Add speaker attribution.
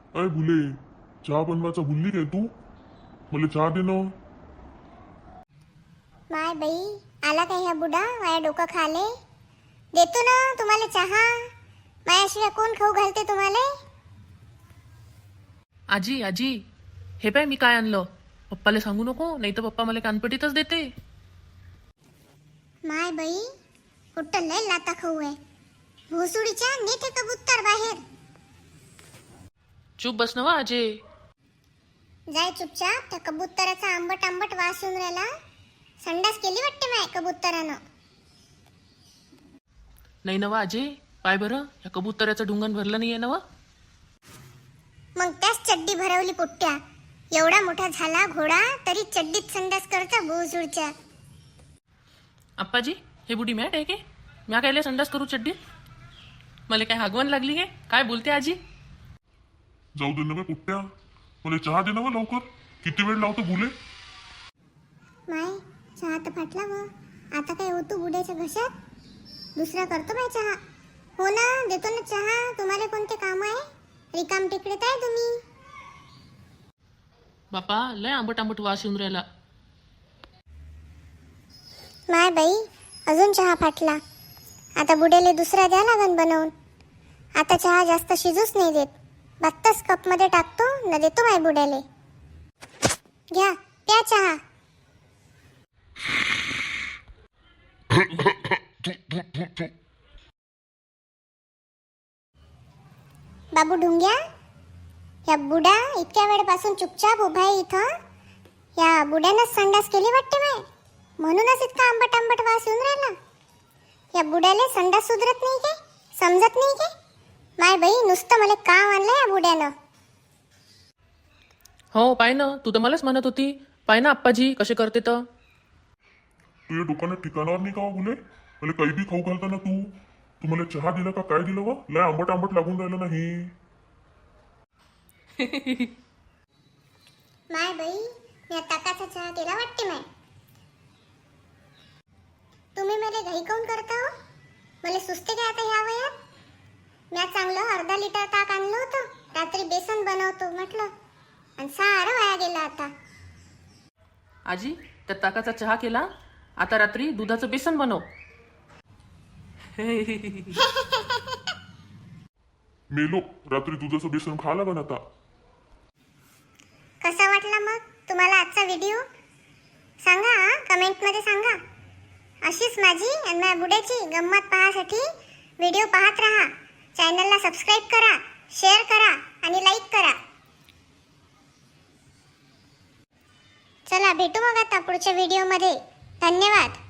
Speaker 1: अय भुले, चहा बनवायचा भुलली काय तू? मला चहा दे ना.
Speaker 2: माय बाई, आला काय ह्या बुडा माझ्या डोकं खाले. देतो ना तुम्हाला चहा. माझ्याशिवाय कोण खाऊ घालते तुम्हाला?
Speaker 3: आजी आजी, हे पाय मी काय आणलं. पप्पाला सांगू नको, नाही तर पप्पा मला कानपटीतच देते.
Speaker 2: माय बाई, कुठं लय लाता खाऊ आहे. भोसुडीच्या नेते कबूतर बाहेर.
Speaker 3: चुप बस ना वा आजी.
Speaker 2: जाय चुपचाप. त्या कबुतराचा आंबट आंबट वास येऊन राहिला. संडास केली वाटते माय कबुतरानं.
Speaker 3: नाही ना वा आजी, पाय बरं, या कबुतराचं ढुंगण भरलं नाहीये ना वा.
Speaker 2: मग त्याच चड्डी भरवली पोट्ट्या. एवढा मोठा झाला घोडा तरी चड्डीत संडास करता भोसुडच्या.
Speaker 3: आप्पाजी, हे बुडी मॅट आहे के? म्या कायले संडास करू चड्डीत? मला काय हागवण लागली काय? काय बोलते आजी?
Speaker 1: जाऊ दे ना बे कुट्ट्या, मला चहा दे ना बा लवकर. किती वेळ लावतो भुले?
Speaker 2: माय, चहा तर फाटला व. आता काय होतो बुड्याच्या घशात? दुसरा करतो बाय चहा. हो ना, देतो ना चहा. तुम्हाला कोणते काम आहे? रिकाम टिकडेत आहे तुम्ही.
Speaker 3: बापा, लय आंबट आंबट वास येऊन राहिला.
Speaker 2: माय बाई, अजून चहा फाटला. आता बुड्याले दुसरा द्या लागन बनवून. आता चहा जास्त शिजूच नाही देत. बत्ताच कपमध्ये टाकतो न देतो माय बुड्याले. घ्या, प्या चहा. बाबू ढुंग्या, या बुडा इतक्या वेळपासून चुपचाप उभा आहे इथं. या बुड्यानंच संडास केली वाटते माय, म्हणूनच इतका आंबट आंबट वास येऊन राहिला. या बुड्याले संडास सुधरत नाही काय? समजत नाही काय? माय बाई, नुसतं मला काम आणलं या बुड्यानं.
Speaker 3: हो पाय ना, तू तर मलाच म्हणत होती. पाय ना आप्पाजी कसे करते तर.
Speaker 1: तुझ्या दुकानात ठिकाणावर नाही का वा भुले? मला काही बी खाऊ घालता ना तू. तू मला चहा दिला का काय दिलं वा? लय आंबट आंबट लागून राहिलं नाही.
Speaker 2: माय बाई, या ताकाचा चहा केला वाटते माय. तुम्ही मला घाई काऊन करता हो? मला सुस्ते काय आता ह्या वयात? म्या चांगलं अर्धा लिटर ताक आणलं होतं. रात्री बेसन बनवतो म्हटलं, आणि सारं वाया गेलं आता.
Speaker 3: आजी, त्या ताकाचा चहा केला, आता रात्री दुधाचं बेसन बनव.
Speaker 1: मेलो, रात्री दुधाचं बेसन खा लागन आता.
Speaker 2: कसा वाटला मग तुम्हाला आजचा व्हिडिओ? सांगा, कमेंटमध्ये सांगा. अशीच माझी आणि माझ्या बुड्याची गंमत पाहण्यासाठी व्हिडिओ पाहत राहा. चॅनलला सबस्क्राईब करा, शेअर करा आणि लाईक करा. चला भेटू मग आता पुढच्या व्हिडिओमध्ये. धन्यवाद.